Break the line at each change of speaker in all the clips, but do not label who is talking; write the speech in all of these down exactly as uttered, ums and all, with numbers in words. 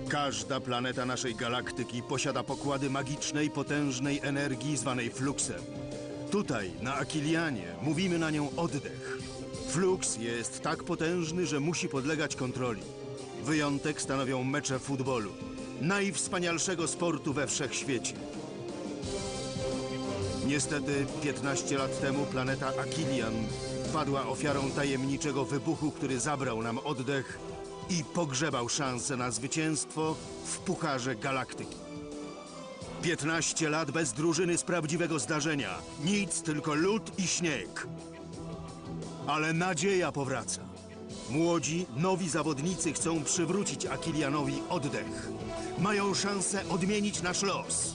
Każda planeta naszej galaktyki posiada pokłady magicznej, potężnej energii zwanej fluksem. Tutaj, na Akilianie, mówimy na nią oddech. Fluks jest tak potężny, że musi podlegać kontroli. Wyjątek stanowią mecze futbolu, najwspanialszego sportu we wszechświecie. Niestety, piętnaście lat temu planeta Akilian padła ofiarą tajemniczego wybuchu, który zabrał nam oddech i pogrzebał szansę na zwycięstwo w Pucharze Galaktyki. piętnaście lat bez drużyny z prawdziwego zdarzenia. Nic, tylko lód i śnieg. Ale nadzieja powraca. Młodzi, nowi zawodnicy chcą przywrócić Akilianowi oddech. Mają szansę odmienić nasz los.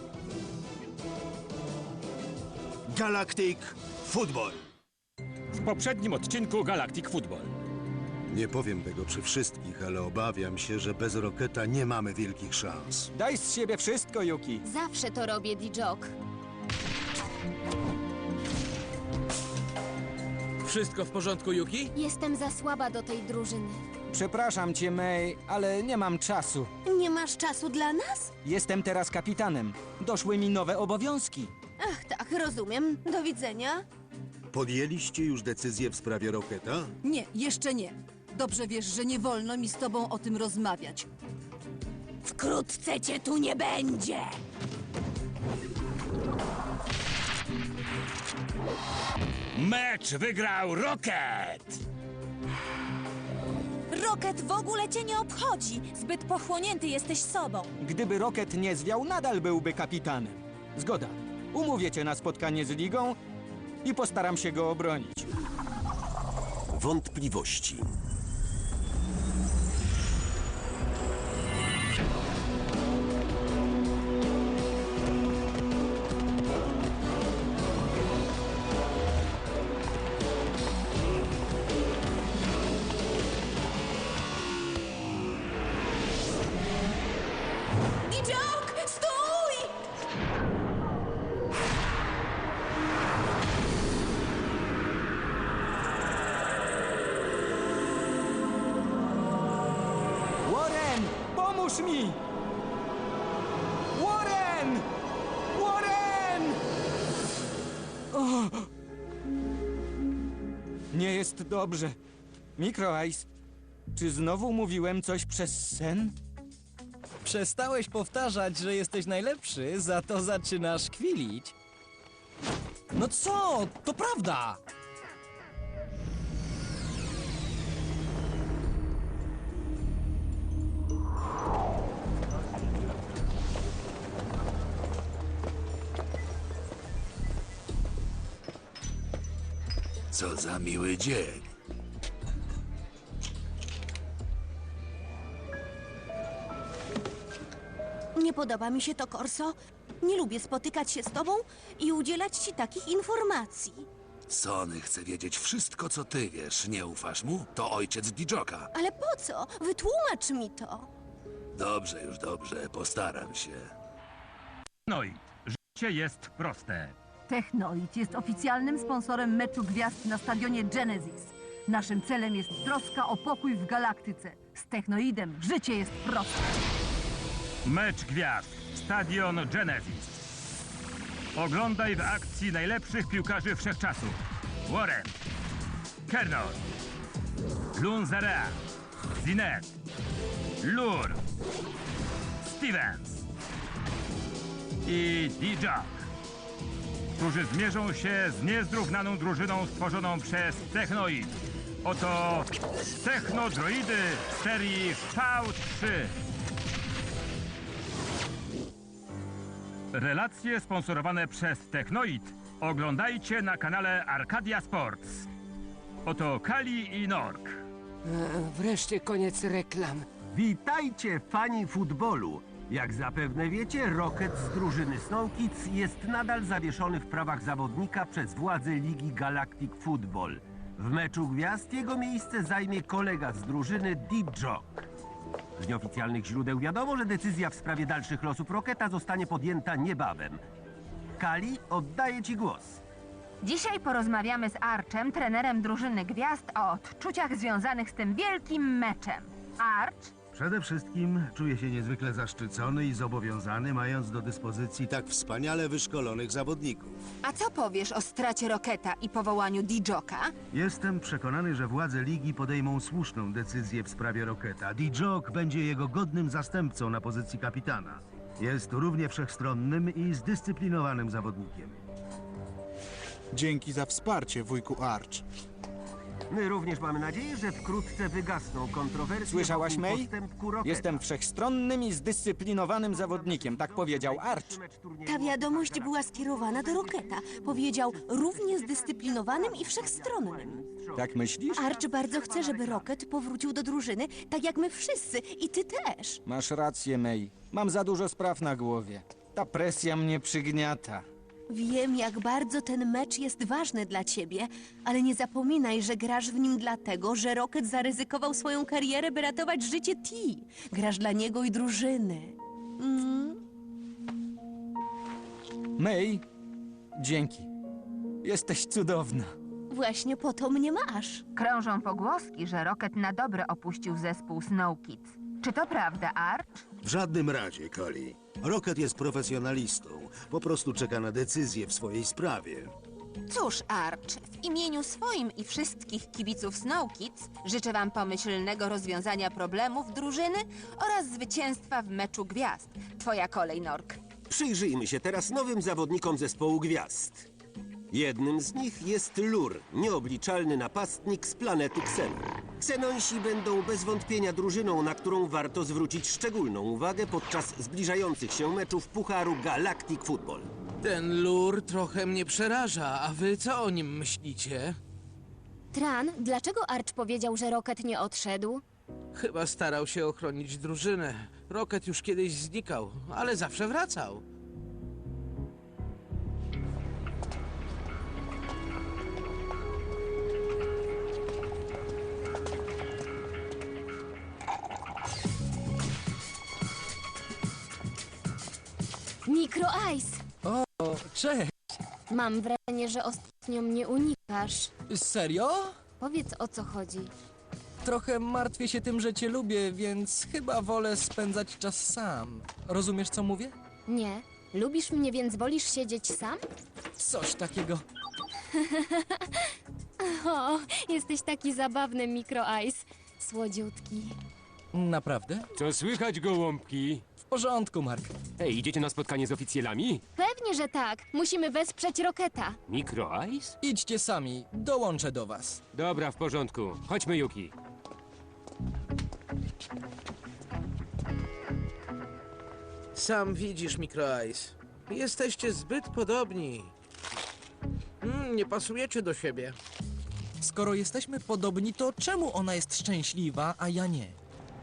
Galactic Football.
W poprzednim odcinku Galactic Football.
Nie powiem tego przy wszystkich, ale obawiam się, że bez Rocketa nie mamy wielkich szans.
Daj z siebie wszystko, Yuki.
Zawsze to robię, D-Jock.
Wszystko w porządku, Yuki?
Jestem za słaba do tej drużyny.
Przepraszam cię, May, ale nie mam czasu.
Nie masz czasu dla nas?
Jestem teraz kapitanem. Doszły mi nowe obowiązki.
Ach, tak, rozumiem. Do widzenia.
Podjęliście już decyzję w sprawie Rocketa?
Nie, jeszcze nie. Dobrze wiesz, że nie wolno mi z tobą o tym rozmawiać.
Wkrótce cię tu nie będzie.
Mecz wygrał Rocket!
Rocket w ogóle cię nie obchodzi. Zbyt pochłonięty jesteś sobą.
Gdyby Rocket nie zwiał, nadal byłby kapitanem. Zgoda. Umówię cię na spotkanie z ligą i postaram się go obronić.
Wątpliwości.
D-Jock, stój!
Warren! Pomóż mi! Warren! Warren! O! Nie jest dobrze. Micro Ice, czy znowu mówiłem coś przez sen?
Przestałeś powtarzać, że jesteś najlepszy, za to zaczynasz kwilić. No co? To prawda!
Co za miły dzień.
Nie podoba mi się to, Corso. Nie lubię spotykać się z tobą i udzielać ci takich informacji.
Sony chce wiedzieć wszystko, co ty wiesz. Nie ufasz mu? To ojciec D-Jocka.
Ale po co? Wytłumacz mi to.
Dobrze, już dobrze. Postaram się.
No i życie jest proste.
Technoid jest oficjalnym sponsorem meczu gwiazd na stadionie Genesis. Naszym celem jest troska o pokój w galaktyce. Z Technoidem życie jest proste.
Mecz gwiazd. Stadion Genesis. Oglądaj w akcji najlepszych piłkarzy wszechczasów. Warren, Kernor, Lunzarea, Zinet, Lur, Stevens i D-Jock, którzy zmierzą się z niezrównaną drużyną stworzoną przez Technoid. Oto Technodroidy serii V trzy. Relacje sponsorowane przez Technoid oglądajcie na kanale Arcadia Sports. Oto Kali i Nork.
Wreszcie koniec reklam.
Witajcie, fani futbolu. Jak zapewne wiecie, Rocket z drużyny Snow Kids jest nadal zawieszony w prawach zawodnika przez władze Ligi Galactic Football. W meczu gwiazd jego miejsce zajmie kolega z drużyny D-Jock. Z nieoficjalnych źródeł wiadomo, że decyzja w sprawie dalszych losów Rocketa zostanie podjęta niebawem. Kali, oddaję ci głos.
Dzisiaj porozmawiamy z Archem, trenerem drużyny gwiazd, o odczuciach związanych z tym wielkim meczem. Arch,
Przede wszystkim czuję się niezwykle zaszczycony i zobowiązany, mając do dyspozycji tak wspaniale wyszkolonych zawodników.
A co powiesz o stracie Roketa i powołaniu D-Joka?
Jestem przekonany, że władze ligi podejmą słuszną decyzję w sprawie Roketa. D-Jok będzie jego godnym zastępcą na pozycji kapitana. Jest równie wszechstronnym i zdyscyplinowanym zawodnikiem.
Dzięki za wsparcie, wujku Arch.
My również mamy nadzieję, że wkrótce wygasną kontrowersje.
Słyszałaś,
wokół
May?
postępku Roketa.
Jestem wszechstronnym i zdyscyplinowanym zawodnikiem, tak powiedział Arch.
Ta wiadomość była skierowana do Roketa. Powiedział równie zdyscyplinowanym i wszechstronnym.
Tak myślisz?
Arch bardzo chce, żeby Rocket powrócił do drużyny, tak jak my wszyscy. I ty też.
Masz rację, May. Mam za dużo spraw na głowie. Ta presja mnie przygniata.
Wiem, jak bardzo ten mecz jest ważny dla ciebie, ale nie zapominaj, że grasz w nim dlatego, że Rocket zaryzykował swoją karierę, by ratować życie T. Grasz dla niego i drużyny. Mm.
May, dzięki. Jesteś cudowna.
Właśnie po to mnie masz.
Krążą pogłoski, że Rocket na dobre opuścił zespół Snow Kids. Czy to prawda, Arch?
W żadnym razie, Kali. Rocket jest profesjonalistą. Po prostu czeka na decyzję w swojej sprawie.
Cóż, Arch, w imieniu swoim i wszystkich kibiców Snow Kids życzę wam pomyślnego rozwiązania problemów drużyny oraz zwycięstwa w meczu gwiazd. Twoja kolej, Nork.
Przyjrzyjmy się teraz nowym zawodnikom zespołu gwiazd. Jednym z nich jest Lur, nieobliczalny napastnik z planety Xenon. Xenonsi będą bez wątpienia drużyną, na którą warto zwrócić szczególną uwagę podczas zbliżających się meczów Pucharu Galactic Football.
Ten lur trochę mnie przeraża, a wy co o nim myślicie?
Tran, dlaczego Arch powiedział, że Rocket nie odszedł?
Chyba starał się ochronić drużynę. Rocket już kiedyś znikał, ale zawsze wracał.
Micro Ice!
O, cześć!
Mam wrażenie, że ostatnio mnie unikasz.
Serio?
Powiedz, o co chodzi.
Trochę martwię się tym, że cię lubię, więc chyba wolę spędzać czas sam. Rozumiesz, co mówię?
Nie. Lubisz mnie, więc wolisz siedzieć sam?
Coś takiego.
O, jesteś taki zabawny, Micro Ice. Słodziutki.
Naprawdę?
Co słychać, gołąbki?
W porządku, Mark.
Ej, idziecie na spotkanie z oficjalami?
Pewnie, że tak. Musimy wesprzeć Rocketa.
Micro Ice?
Idźcie sami, dołączę do was.
Dobra, w porządku. Chodźmy, Yuki.
Sam widzisz, Micro Ice. Jesteście zbyt podobni. Mm, nie pasujecie do siebie.
Skoro jesteśmy podobni, to czemu ona jest szczęśliwa, a ja nie?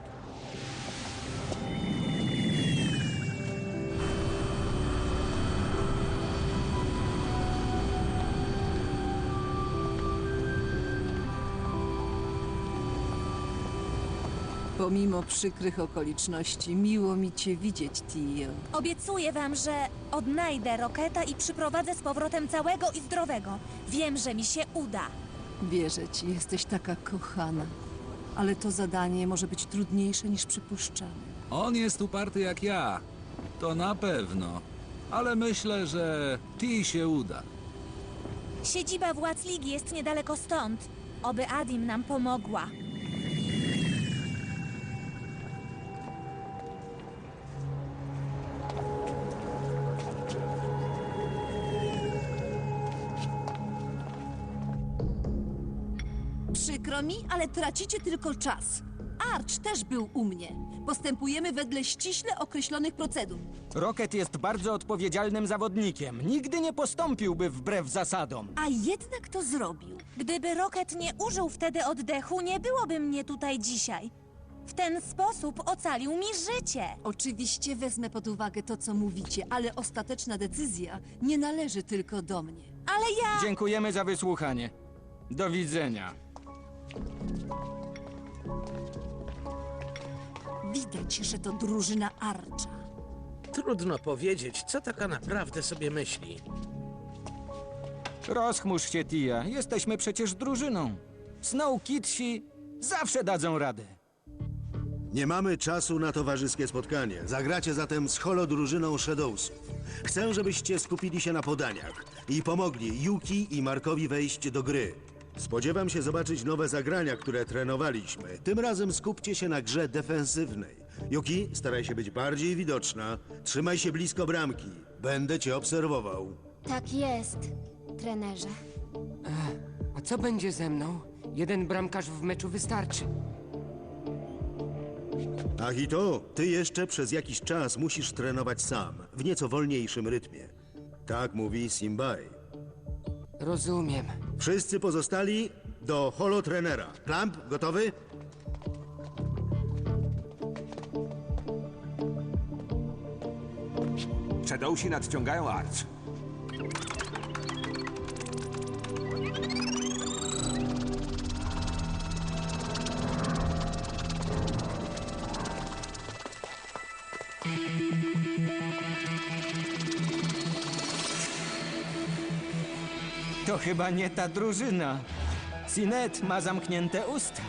Pomimo przykrych okoliczności, miło mi cię widzieć, Tio.
Obiecuję wam, że odnajdę Rocketa i przyprowadzę z powrotem całego i zdrowego. Wiem, że mi się uda.
Wierzę ci, jesteś taka kochana. Ale to zadanie może być trudniejsze niż przypuszczamy.
On jest uparty jak ja. To na pewno. Ale myślę, że Ti się uda.
Siedziba władz ligi jest niedaleko stąd. Oby Adim nam pomogła.
Przykro mi, ale tracicie tylko czas. Arch też był u mnie. Postępujemy wedle ściśle określonych procedur.
Rocket jest bardzo odpowiedzialnym zawodnikiem. Nigdy nie postąpiłby wbrew zasadom.
A jednak to zrobił. Gdyby Rocket nie użył wtedy oddechu, nie byłoby mnie tutaj dzisiaj. W ten sposób ocalił mi życie.
Oczywiście wezmę pod uwagę to, co mówicie, ale ostateczna decyzja nie należy tylko do mnie.
Ale ja...
Dziękujemy za wysłuchanie. Do widzenia.
Widać, że to drużyna Archa.
Trudno powiedzieć, co taka naprawdę sobie myśli.
Rozchmurz się, Tia. Jesteśmy przecież drużyną. Snow Kidsi zawsze dadzą radę.
Nie mamy czasu na towarzyskie spotkanie. Zagracie zatem z holodrużyną Shadowsów. Chcę, żebyście skupili się na podaniach i pomogli Yuki i Markowi wejść do gry. Spodziewam się zobaczyć nowe zagrania, które trenowaliśmy. Tym razem skupcie się na grze defensywnej. Yuki, staraj się być bardziej widoczna. Trzymaj się blisko bramki. Będę cię obserwował.
Tak jest, trenerze.
A co będzie ze mną? Jeden bramkarz w meczu wystarczy.
Ahito, ty jeszcze przez jakiś czas musisz trenować sam, w nieco wolniejszym rytmie. Tak mówi Simbai.
Rozumiem.
Wszyscy pozostali do holotrenera. Clamp, gotowy?
Shadowsi nadciągają Arch.
To chyba nie ta drużyna. Sinet ma zamknięte usta.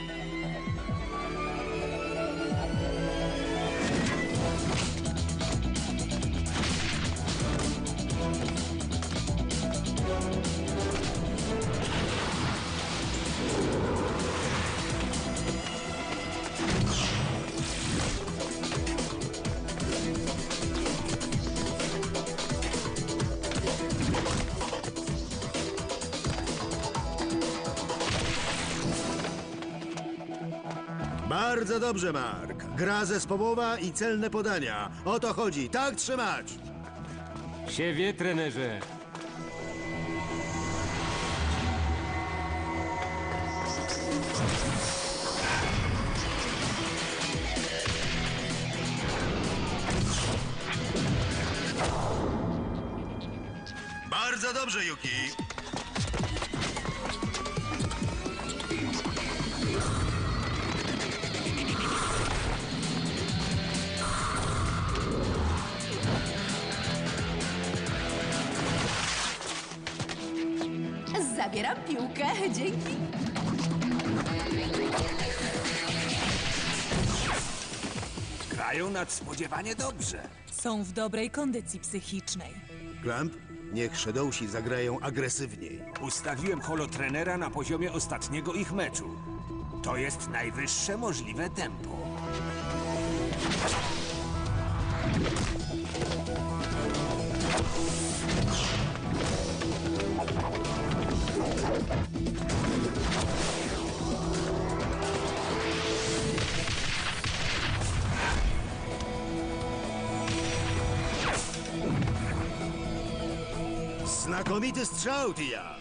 Bardzo dobrze, Mark. Gra zespołowa i celne podania. O to chodzi. Tak trzymać!
Się wie, trenerze.
Bardzo dobrze, Yuki.
Zabieram piłkę, dzięki.
Grają nadspodziewanie dobrze.
Są w dobrej kondycji psychicznej.
Clamp, niech Shadowsi zagrają agresywniej.
Ustawiłem holotrenera na poziomie ostatniego ich meczu. To jest najwyższe możliwe tempo.
Znakomity strzał, Tia!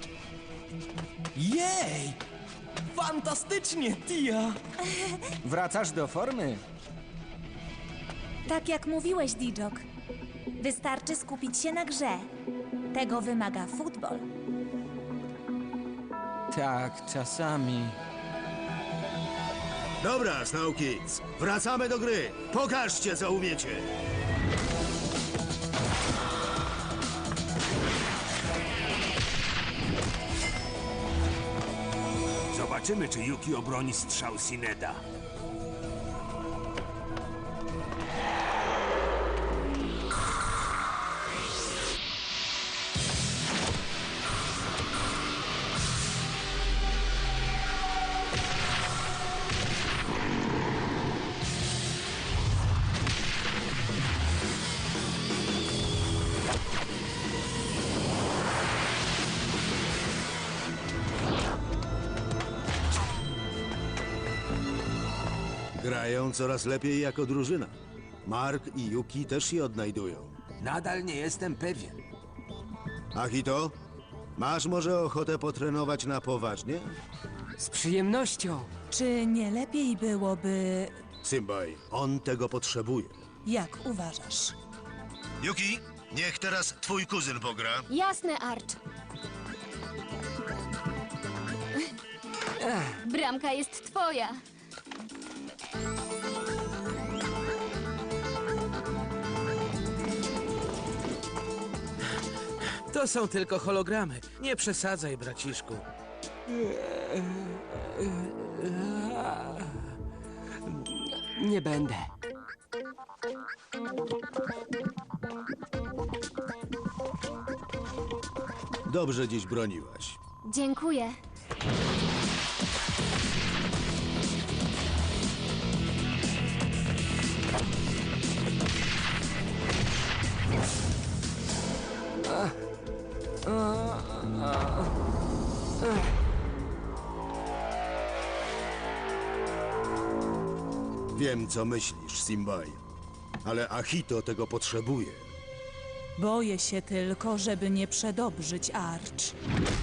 Jej! Fantastycznie, Tia!
Wracasz do formy?
Tak jak mówiłeś, Dijok. Wystarczy skupić się na grze. Tego wymaga futbol.
Tak, czasami.
Dobra, Snow Kids. Wracamy do gry. Pokażcie, co umiecie.
Zobaczymy, czy Yuki obroni strzał Sineda.
Grają coraz lepiej jako drużyna. Mark i Yuki też się odnajdują.
Nadal nie jestem pewien.
Ahito, masz może ochotę potrenować na poważnie?
Z przyjemnością.
Czy nie lepiej byłoby...
Simbai, on tego potrzebuje.
Jak uważasz?
Yuki, niech teraz twój kuzyn pogra.
Jasne, Arch. Bramka jest twoja.
To są tylko hologramy. Nie przesadzaj, braciszku.
Nie będę.
Dobrze dziś broniłaś.
Dziękuję.
Wiem, co myślisz, Simbai, ale Ahito tego potrzebuje.
Boję się tylko, żeby nie przedobrzyć Arch.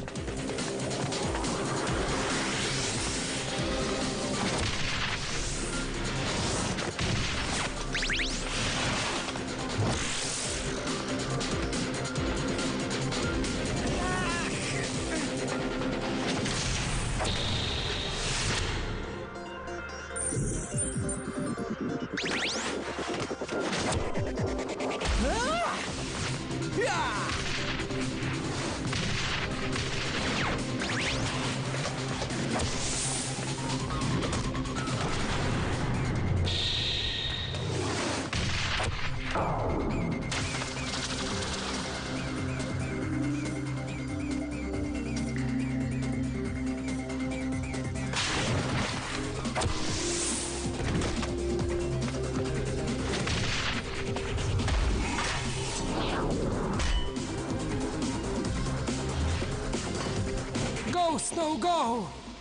Go, Snow, go!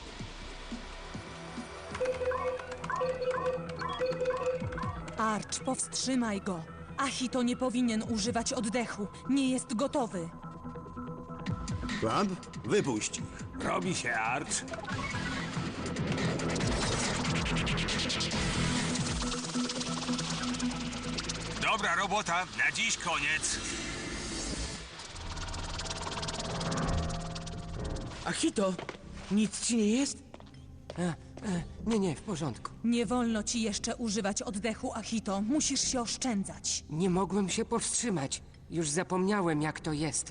Arch, powstrzymaj go. Ahito nie powinien używać oddechu. Nie jest gotowy.
Clamp, wypuść ich.
Robi się, Arch. Dobra robota, na dziś koniec.
Ahito, nic ci nie jest?
E, e, nie, nie, w porządku.
Nie wolno ci jeszcze używać oddechu, Ahito. Musisz się oszczędzać.
Nie mogłem się powstrzymać. Już zapomniałem, jak to jest.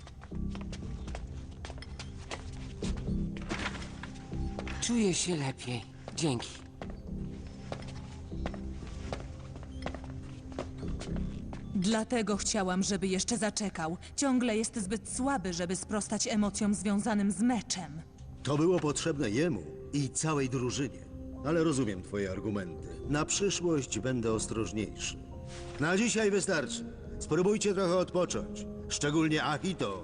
Czuję się lepiej. Dzięki.
Dlatego chciałam, żeby jeszcze zaczekał. Ciągle jest zbyt słaby, żeby sprostać emocjom związanym z meczem.
To było potrzebne jemu i całej drużynie. Ale rozumiem twoje argumenty. Na przyszłość będę ostrożniejszy. Na dzisiaj wystarczy. Spróbujcie trochę odpocząć. Szczególnie Ahito.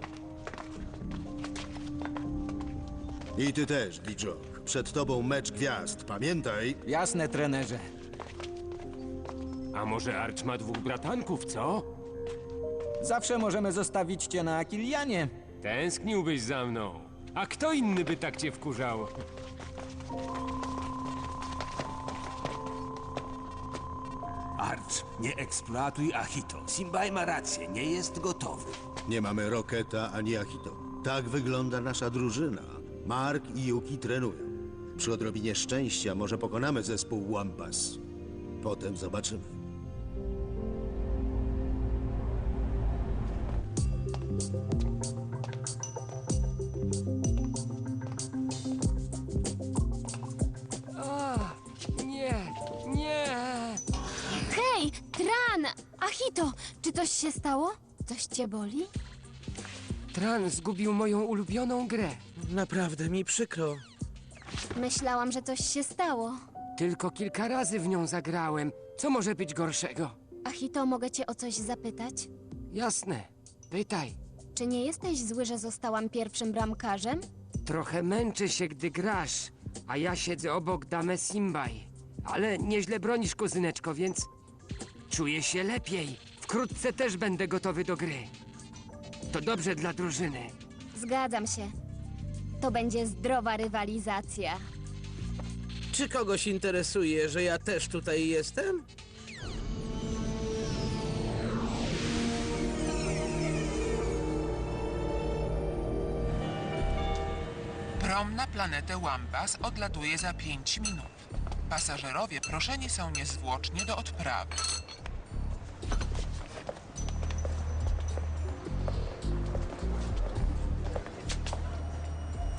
I ty też, Dijok. Przed tobą mecz gwiazd. Pamiętaj.
Jasne, trenerze.
A może Arch ma dwóch bratanków, co?
Zawsze możemy zostawić cię na Akilianie.
Tęskniłbyś za mną. A kto inny by tak cię wkurzał?
Arch, nie eksploatuj Ahito. Simbai ma rację, nie jest gotowy.
Nie mamy Roketa ani Ahito. Tak wygląda nasza drużyna. Mark i Yuki trenują. Przy odrobinie szczęścia może pokonamy zespół Wampas. Potem zobaczymy.
O, nie, nie!
Hej, Tran! Ahito, czy coś się stało? Coś cię boli?
Tran zgubił moją ulubioną grę.
Naprawdę mi przykro.
Myślałam, że coś się stało.
Tylko kilka razy w nią zagrałem. Co może być gorszego?
Ahito, mogę cię o coś zapytać?
Jasne. Pytaj.
Czy nie jesteś zły, że zostałam pierwszym bramkarzem?
Trochę męczę się, gdy grasz, a ja siedzę obok Dame Simbai. Ale nieźle bronisz, kuzyneczko, więc czuję się lepiej. Wkrótce też będę gotowy do gry. To dobrze dla drużyny.
Zgadzam się. To będzie zdrowa rywalizacja.
Czy kogoś interesuje, że ja też tutaj jestem?
Prom na planetę Wampas odlatuje za pięć minut. Pasażerowie proszeni są niezwłocznie do odprawy.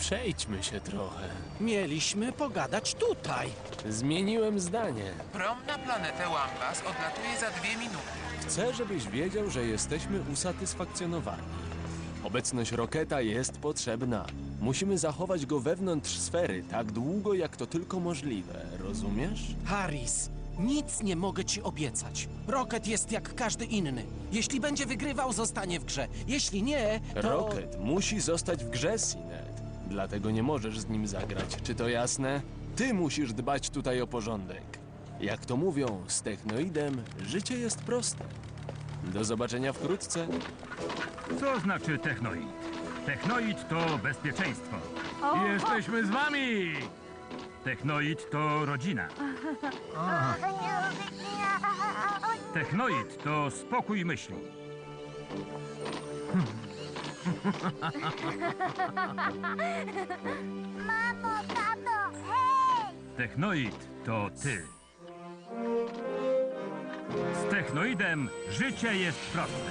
Przejdźmy się trochę.
Mieliśmy pogadać tutaj.
Zmieniłem zdanie.
Prom na planetę Wambas odlatuje za dwie minuty.
Chcę, żebyś wiedział, że jesteśmy usatysfakcjonowani. Obecność Roketa jest potrzebna. Musimy zachować go wewnątrz sfery tak długo, jak to tylko możliwe. Rozumiesz?
Harris, nic nie mogę ci obiecać. Rocket jest jak każdy inny. Jeśli będzie wygrywał, zostanie w grze. Jeśli nie, to...
Rocket musi zostać w grze, Sinet. Dlatego nie możesz z nim zagrać. Czy to jasne? Ty musisz dbać tutaj o porządek. Jak to mówią, z Technoidem życie jest proste. Do zobaczenia wkrótce.
Co znaczy technoid? Technoid to bezpieczeństwo.
O!
Jesteśmy z wami! Technoid to rodzina. Technoid to spokój myśli.
Mamo, tato, hej!
Technoid to ty. Z Technoidem życie jest proste.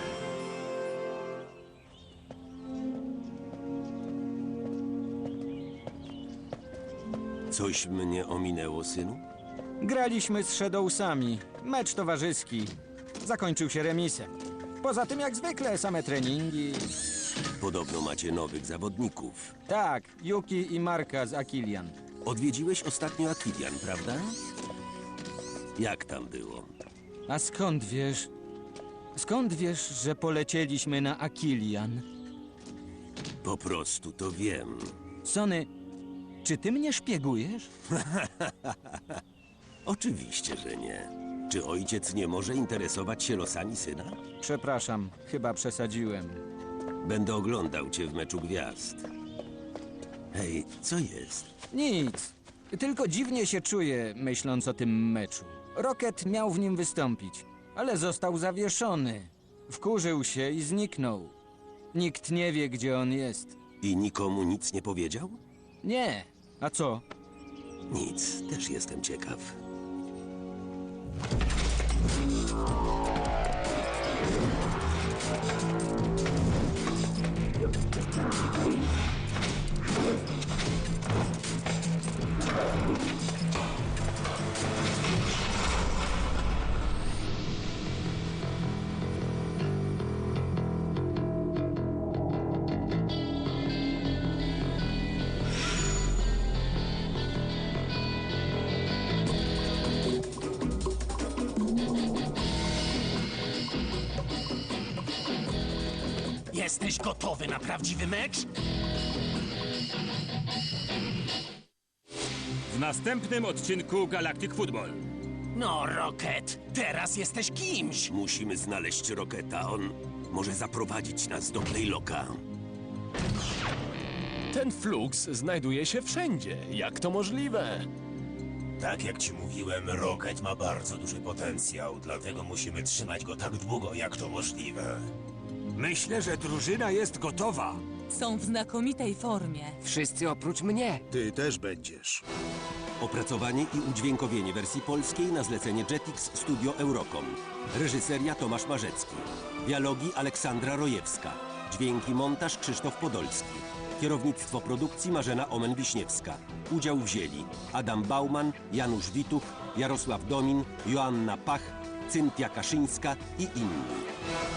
Coś mnie ominęło, synu?
Graliśmy z Shadowsami. Mecz towarzyski. Zakończył się remisem. Poza tym, jak zwykle, same treningi.
Podobno macie nowych zawodników.
Tak, Yuki i Marka z Akilian.
Odwiedziłeś ostatnio Akilian, prawda? Jak tam było?
A skąd wiesz? Skąd wiesz, że polecieliśmy na Akilian?
Po prostu to wiem.
Sony, czy ty mnie szpiegujesz?
Oczywiście, że nie. Czy ojciec nie może interesować się losami syna?
Przepraszam, chyba przesadziłem.
Będę oglądał cię w meczu gwiazd. Hej, co jest?
Nic. Tylko dziwnie się czuję, myśląc o tym meczu. Rocket miał w nim wystąpić, ale został zawieszony. Wkurzył się i zniknął. Nikt nie wie, gdzie on jest.
I nikomu nic nie powiedział?
Nie. A co?
Nic, też jestem ciekaw.
Jesteś gotowy na prawdziwy mecz?
W następnym odcinku Galactic Football.
No, Rocket, teraz jesteś kimś.
Musimy znaleźć Rocketa. On może zaprowadzić nas do Playlocka.
Ten Flux znajduje się wszędzie. Jak to możliwe?
Tak jak ci mówiłem, Rocket ma bardzo duży potencjał, dlatego musimy trzymać go tak długo, jak to możliwe.
Myślę, że drużyna jest gotowa.
Są w znakomitej formie.
Wszyscy oprócz mnie.
Ty też będziesz.
Opracowanie i udźwiękowienie wersji polskiej na zlecenie Jetix Studio Eurocom. Reżyseria Tomasz Marzecki. Dialogi Aleksandra Rojewska. Dźwięki montaż Krzysztof Podolski. Kierownictwo produkcji Marzena Omen-Wiśniewska. Udział wzięli Adam Bauman, Janusz Wituch, Jarosław Domin, Joanna Pach, Cynthia Kaszyńska i inni.